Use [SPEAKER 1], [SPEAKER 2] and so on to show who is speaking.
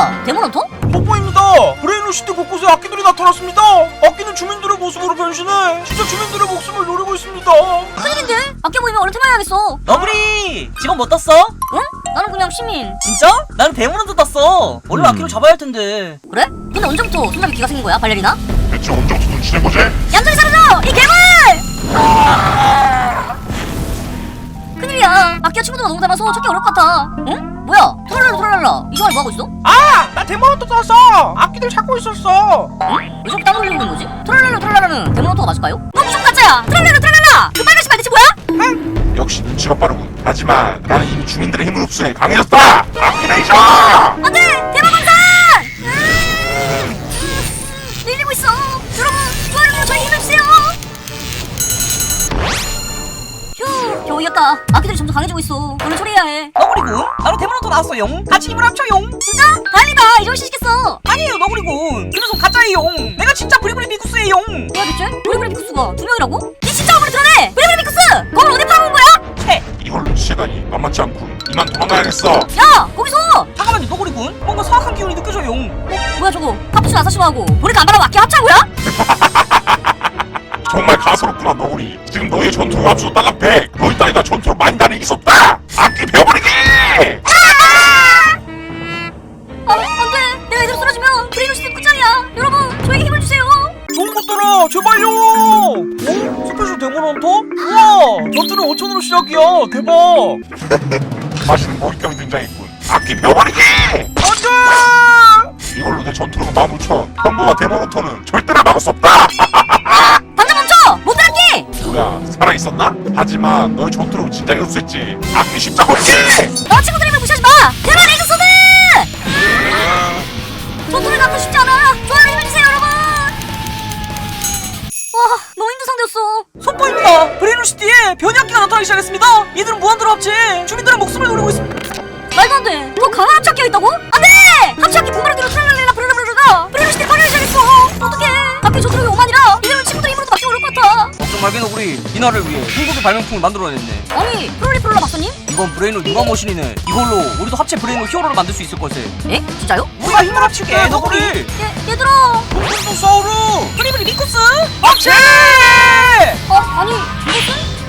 [SPEAKER 1] 뭐야? 데몬헌터?
[SPEAKER 2] 뽀뽀입니다. 브레인로시티 곳곳에 악기들이 나타났습니다. 악기는 주민들의 모습으로 변신해 진짜 주민들의 목숨을 노리고 있습니다.
[SPEAKER 1] 큰일인데? 악기 보이면 얼른 테마해야겠어.
[SPEAKER 3] 너구리 직업 뭐 떴어?
[SPEAKER 1] 응? 나는 그냥 시민.
[SPEAKER 3] 진짜? 나는 데몬헌터 떴어. 원래 악기를 잡아야 할 텐데.
[SPEAKER 1] 그래? 근데 언제부터 손잡이 귀가 생긴 거야, 발레리나?
[SPEAKER 4] 대체 언제부터 눈치낸 거지?
[SPEAKER 1] 얌전히 사라져! 이 괴물! 큰일이야. 악기와 친구들과 너무 닮아서 찾기 어려울 것 같아. 응? 뭐야? 트랄랄라. 이 시간에 뭐하고 있어?
[SPEAKER 2] 나 데몬헌터 떴어. 악기들 찾고 있었어.
[SPEAKER 1] 왜 저렇게 땀 흘리고 있는 거지? 트랄랄라는 데몬헌터가 맞을까요? 너 무슨 가짜야! 트랄랄라! 그 빨간 신발 대체 뭐야?
[SPEAKER 4] 역시 눈치가 빠르군. 하지만 나는 이미 주민들의 힘을 흡수해 강해졌다. 아키네이션!
[SPEAKER 1] 안돼! 대마광산! 밀리고 있어. 여러분, 좋아요, 저희 힘내주세요. 휴, 겨우 이겼다. 악기들이 점점 강해지고 있어. 오늘 처리해야 해.
[SPEAKER 3] 너구리군 나로 데몬헌터 나왔어용. 같이 힘을 합쳐용.
[SPEAKER 1] 진짜? 다행이다. 이럴 수 있겠어.
[SPEAKER 3] 아니에요 너구리군 그 녀석 가짜예용. 내가 진짜 브리브리 미쿠스예용.
[SPEAKER 1] 뭐야 대체? 브리브리 미쿠스가 2명이라고? 니 진짜 얼굴이 드러내! 브리브리 미쿠스! 거울 어디 팔아온 거야?
[SPEAKER 4] 이걸로 시간이 만만치 않군. 이만 도망가야겠어.
[SPEAKER 1] 야! 거기서!
[SPEAKER 3] 잠깐만요 너구리군 뭔가 사악한 기운이 느껴져용.
[SPEAKER 1] 뭐야 저거? 카푸치노 아사시마하고 보니까 안 바라고 악기 합창 거야?
[SPEAKER 4] 정말 가소롭구나 너구리. 지금 너의 전투로 합수 따가 100. 너희 따위가 전투로 많이 다니기 있었다. 악기 배워버리기!
[SPEAKER 1] 안돼! 내가 이대로 쓰러지면 브레인로시티 끝장이야. 여러분, 저에게 힘을 주세요.
[SPEAKER 2] 좋은 것들아 제발요. 스페셜 데몬헌터? 우와 전투는 5,000으로 시작이야. 대박.
[SPEAKER 4] 맛있는 먹잇감이 등장했군. 악기 배워버리기!
[SPEAKER 2] 안돼.
[SPEAKER 4] 이걸로 내 전투로가 15,000. 형부와 데모노터는 절대나 막을 수 없다.
[SPEAKER 1] 당장 멈춰! 못들 악기!
[SPEAKER 4] 뭐야 살아있었나? 하지만 너의 전투로 진작에 흡수했지. 악기 십자버리기!
[SPEAKER 1] 너 친구들 힘을 무시하지 마! 대만 레이저 소드! 전투를 갖고 싶지 않아. 좋아요 힘을 주세요 여러분. 와, 너무 힘든 상대였어.
[SPEAKER 3] 속보입니다. 브레인로시티에 변이악기가 나타나기 시작했습니다. 이들은 무한대로 합체 주민들의 목숨을 노리고 있습니다.
[SPEAKER 1] 말도 안 돼. 더 강한 합체악기가 있다고? 안 돼! 합체악기 분바르기로 트랄랄레라 브르르르르가 브레인로시티 파괴를 시작했어. 어떡해. 악기 전투력이 5만이라 이들은 친구들 힘으로도 막기 어려울 것 같아.
[SPEAKER 3] 걱정 말게 너구리. 이 날을 위해 한국의 발명품을 만들어냈네.
[SPEAKER 1] 아니, 프롤리프롤라 박사님?
[SPEAKER 3] 이번 브레인로 누가 머신이네. 이걸로 우리도 합체 브레인로 히어로를 만들 수 있을 걸세.
[SPEAKER 1] 에? 진짜요?
[SPEAKER 3] 우리가 힘을 합칠게 너구리.
[SPEAKER 1] 얘들아.
[SPEAKER 2] 동동동 사우루.
[SPEAKER 3] 브리브리 미쿠스 합체!
[SPEAKER 1] 아니, 이것은?